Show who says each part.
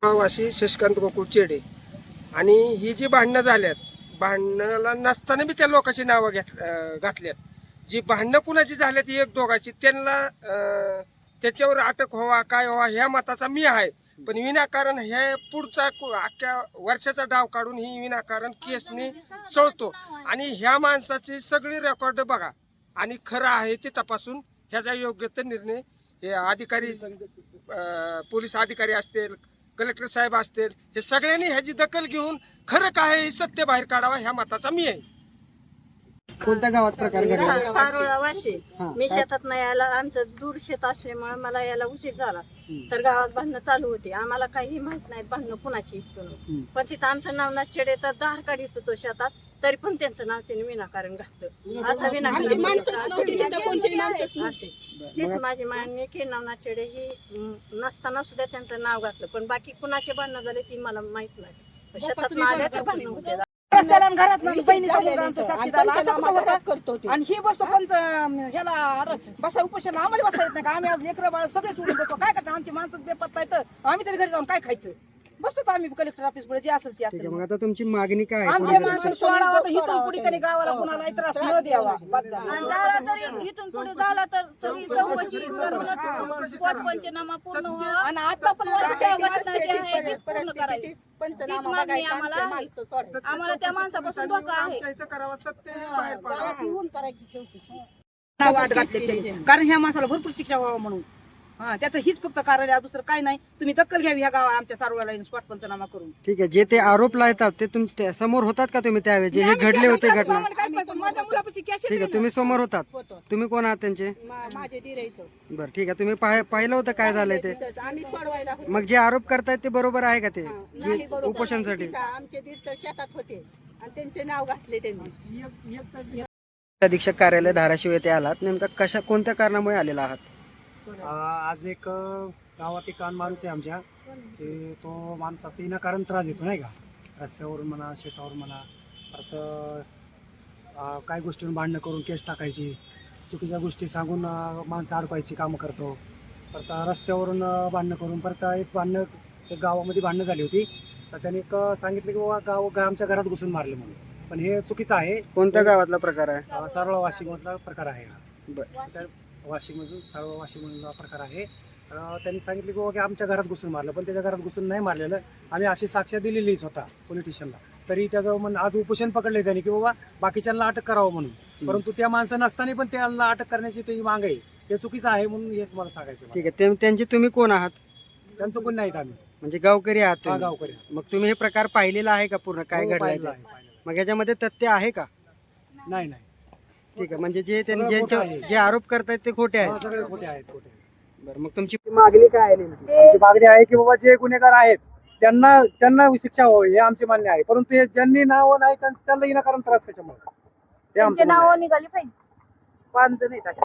Speaker 1: वाशी शशिकांत गोकुळ चेडे. आणि ही जी भांडणं झाल्यात, भांडणाला नसताना बी त्या लोकांची नावं घातल्यात. जी भांडणं कुणाची झाल्यात एक दोघाची, त्यांना त्याच्यावर अटक व्हावा काय व्हावा ह्या मताचा मी आहे. पण विनाकारण हे पुढचा अख्ख्या वर्षाचा डाव काढून ही विनाकारण केसने सळतो. आणि ह्या माणसाची सगळी रेकॉर्ड बघा आणि खरं आहे ते तपासून ह्याचा योग्य ते निर्णय हे अधिकारी, पोलीस अधिकारी असतील, कलेक्टर साहेब असतील, हे सगळ्यांनी ह्याची दखल घेऊन खरं काय हे सत्य बाहेर काढावा ह्या मताचा मी आहे.
Speaker 2: कोणत्या गावात प्रकार घडला?
Speaker 3: सारोळा वाशी. मी शेतात नाही यायला, आमचं दूर शेत असल्यामुळे मला यायला उशीर झाला. तर गावात भांडणं चालू होती. आम्हाला काही माहित नाही भांडणं कुणाची इथून. पण तिथं आमचं नाव चेडे तर दार काढीत होतो शेतात, तरी पण त्यांचं नाव त्यांनी विनाकारण घातलं. असं विनाकारण हीच माझी मान्य की नवनाथ चेडे ही नसताना सुद्धा त्यांचं नाव घातलं. पण बाकी कुणाचे भांडणं झाले ती मला माहित नाही. शेतात आल्या तर भांडणं होते.
Speaker 2: घरात आणि ही बसतो पण ह्याला बसा उपोषण आम्हाला बसा येत नाही का? आम्ही आज लेकरं बाळ सगळे सोडून देतो. काय करतो? आमची माणसं बेपत्ता येतं, आम्ही तरी घरी जाऊन काय खायचं? बसतो आम्ही कलेक्टर ऑफिस पुढे, जे असेल ते असेल.
Speaker 4: मग आता तुमची मागणी काय आहे?
Speaker 2: आमच्या माणसं सोडावा तर इथून पुढे तरी गावाला कुणाला त्रास न द्यावा.
Speaker 5: इथून पुढे झाला तर सगळी चौकशी करूनच पोट पंचनामा पूर्ण व्हावा.
Speaker 2: आणि आता पण
Speaker 5: त्या घटना जी आहे तीच पूर्ण करायची. तीच मागणी आम्हाला आहे. आम्हाला त्या माणसापासून धोका आहे.
Speaker 2: गावात येऊन करायची चौकशी. वाट घातली त्यांनी, कारण ह्या माणसाला भरपूर शिक्षा व्हावा म्हणून. त्याचं हीच फक्त कारण आहे, दुसरं काय नाही. तुम्ही दखल घ्यावी ह्या गावात आमच्या सारोळ्याला स्पॉट पंचनामा करून.
Speaker 4: ठीक आहे, जे ते आरोप लावतात ते तुमच्या समोर होतात का तुम्ही त्यावेळी जे हे घडले होते घटना?
Speaker 2: माझ्या मुलापाशी कॅश
Speaker 4: ठीक आहे, तुम्ही समोर होतात. तुम्ही कोण आहात त्यांचे?
Speaker 2: माझे धीर येतो.
Speaker 4: बरं ठीक आहे, तुम्ही पाहिलं होतं काय झालंय ते?
Speaker 2: आम्ही सोडवायला
Speaker 4: मग जे आरोप करतायत ते बरोबर आहे का? ते जे उपोषणसाठी
Speaker 2: आमचे धीर शेतात होते आणि त्यांचे नाव घातले त्यांनी.
Speaker 4: अधीक्षक कार्यालय धाराशिव येथे आलात, नेमका कोणत्या कारणामुळे आलेला आहात?
Speaker 6: आज एक गावात एक माणूस आहे आमच्या, की तो माणूस असं विनाकारण त्रास देतो नाही का, रस्त्यावरून म्हणा शेतावर म्हणा. परत काही गोष्टींवर भांडणं करून केस टाकायची, चुकीच्या गोष्टी सांगून माणसं अडकवायची कामं करतो. परत रस्त्यावरून भांडणं करून परत एक गावामध्ये भांडणं झाली होती, तर त्याने एक सांगितलं की बाबा आमच्या घरात घुसून मारले म्हणून. पण हे चुकीचं आहे.
Speaker 4: कोणत्या गावातला प्रकार आहे?
Speaker 6: सारोळा वाशिममधला प्रकार आहे हा.
Speaker 4: बरं,
Speaker 6: वाशीमधून सारोळा वाशीमधला प्रकार आहे. त्यांनी सांगितले की बाबा की आमच्या घरात घुसून मारलं, पण त्याच्या घरात घुसून नाही मारलेलं. आम्ही अशी साक्ष दिलेलीच होता पोलीस स्टेशनला. तरी त्याचं आज उपोषण पकडले त्यांनी की बाबा बाकीच्यांना अटक करावं म्हणून. परंतु त्या माणसं नसताना पण त्यांना अटक करण्याची त्याची माग आहे. हे चुकीचं आहे म्हणून हेच मला सांगायचं.
Speaker 4: ठीक आहे, त्यांचे तुम्ही कोण आहात?
Speaker 6: त्यांचं कोण नाहीत आम्ही.
Speaker 4: म्हणजे गावकरी आहात तुम्ही?
Speaker 6: गावकरी.
Speaker 4: मग तुम्ही हे प्रकार पाहिलेला आहे का पूर्ण काय घडलं? मग ह्याच्यामध्ये तथ्य आहे का?
Speaker 6: नाही.
Speaker 4: ठीक आहे, म्हणजे जे आरोप करतायत ते खोटे आहेत?
Speaker 6: सगळे खोटे आहेत.
Speaker 4: बरं, मग तुमची मागणी काय आहे नेमकी?
Speaker 6: आमची मागणी आहे की बाबा जे गुन्हेगार आहेत त्यांना शिक्षा व्हावी हे आमची मान्य आहे. परंतु ज्यांनी नाव नाही त्यांना विनाकारण त्रास कशामुळे, ते आमचं म्हणणं आहे.
Speaker 5: निघाली पाहिजे.
Speaker 2: 5 जण आहेत.